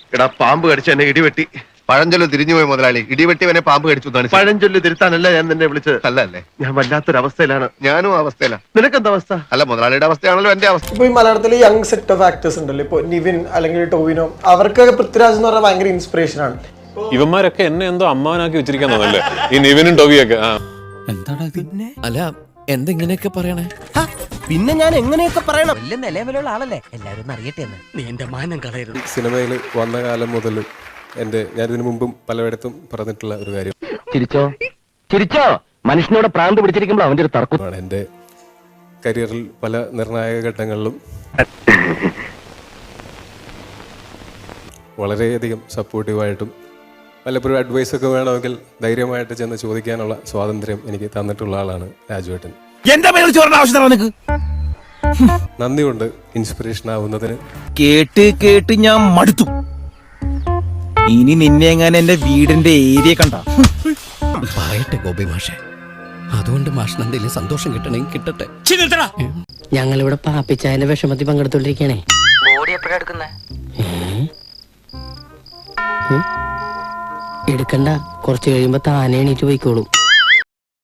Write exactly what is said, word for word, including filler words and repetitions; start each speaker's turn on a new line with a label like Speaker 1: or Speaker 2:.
Speaker 1: എടാ പാമ്പ് കടിച്ച എന്നെ ഇടിവെട്ടി.
Speaker 2: പഴഞ്ചൊല്ല് തിരിഞ്ഞുപോയി മുതലാളി. ഇടിവെട്ടിവനെ പാമ്പ് കടിച്ചു.
Speaker 1: പഴഞ്ചൊല്ല് തിരുത്താനല്ല ഞാൻ നിന്നെ വിളിച്ചത്.
Speaker 2: അല്ല അല്ലേ?
Speaker 1: ഞാൻ വല്ലാത്തൊരവസ്ഥയിലാണ്.
Speaker 2: ഞാനും അവസ്ഥയിലാണ്.
Speaker 1: നിനക്കെന്താ അവസ്ഥ?
Speaker 2: അല്ല, മുതലാളിയുടെ അവസ്ഥയാണല്ലോ എന്റെ അവസ്ഥ.
Speaker 3: ഇപ്പൊ ഈ മലയാളത്തിലെ യങ് സെറ്റ് ഓഫ് ആക്ടേഴ്സ് ഉണ്ടല്ലോ, ഇപ്പൊ നിവിൻ അല്ലെങ്കിൽ ടോവിനോ, അവർക്കൊക്കെ പൃഥ്വിരാജ് എന്ന് പറഞ്ഞാൽ ഭയങ്കര ഇൻസ്പിറേഷൻ ആണ്.
Speaker 4: ഇവന്മാരൊക്കെ എന്നെ എന്തോ അമ്മാവനാക്കി വെച്ചിരിക്കാൻ തോന്നല്ലേ ഈ നിവിനും ടോവിയൊക്കെ.
Speaker 5: അല്ല എന്തെങ്ങനെയൊക്കെ പറയണേ?
Speaker 6: പിന്നെ ഞാൻ എങ്ങനെയൊക്കെ പറയണം? വലിയ നിലവിലുള്ള ആളല്ലേ, എല്ലാവരും അറിയട്ടെ എന്ന്. നീ എന്റെ മാനം കളയരുത്.
Speaker 7: സിനിമയിൽ വന്ന കാലം മുതൽ എന്റെ ഞാൻ ഇതിനു മുമ്പും പലയിടത്തും പറഞ്ഞിട്ടുള്ള ഒരു കാര്യം,
Speaker 8: ചിരിച്ചോ ചിരിച്ചോ മനുഷ്യനോട് പ്രാന്ത് പിടിച്ചിരിക്കുമ്പോൾ അവന്റെ ഒരു തർക്കമാണ്.
Speaker 7: എന്റെ കരിയറിൽ പല നിർണായക ഘട്ടങ്ങളിലും വളരെയധികം സപ്പോർട്ടീവായിട്ടും പലപ്പോഴും അഡ്വൈസ് ഒക്കെ വേണമെങ്കിൽ ധൈര്യമായിട്ട് ചെന്ന് ചോദിക്കാനുള്ള സ്വാതന്ത്ര്യം എനിക്ക് തന്നിട്ടുള്ള ആളാണ് രാജുവേട്ടൻ.
Speaker 6: എന്റെ പേരിൽ ചോറിന്റെ ആവശ്യമാണ് നിനക്ക്.
Speaker 7: നന്ദിയുണ്ട് ഇൻസ്പിറേഷൻ ആവുന്നതിന്.
Speaker 6: കേട്ട് കേട്ട് ഞാൻ മടുത്തു. ഇനി നിന്നെ എങ്ങനെ എന്റെ വീടിന്റെ ഏരിയ കണ്ട
Speaker 5: പറയട്ടെ ഗോപി മാഷെ, അതുകൊണ്ട് മാഷിന് എന്തെങ്കിലും സന്തോഷം കിട്ടണമെങ്കിൽ കിട്ടട്ടെ.
Speaker 9: ഞങ്ങളിവിടെ പാപ്പിച്ചായന്റെ വിഷമത്തിൽ പങ്കെടുത്തോണ്ടിരിക്കണേ.
Speaker 6: ബോഡി എപ്പോഴാ എടുക്കുന്നേ?
Speaker 9: എടുക്കണ്ട, കുറച്ച് കഴിയുമ്പോ താനേ എണീറ്റ് പോയിക്കോളും.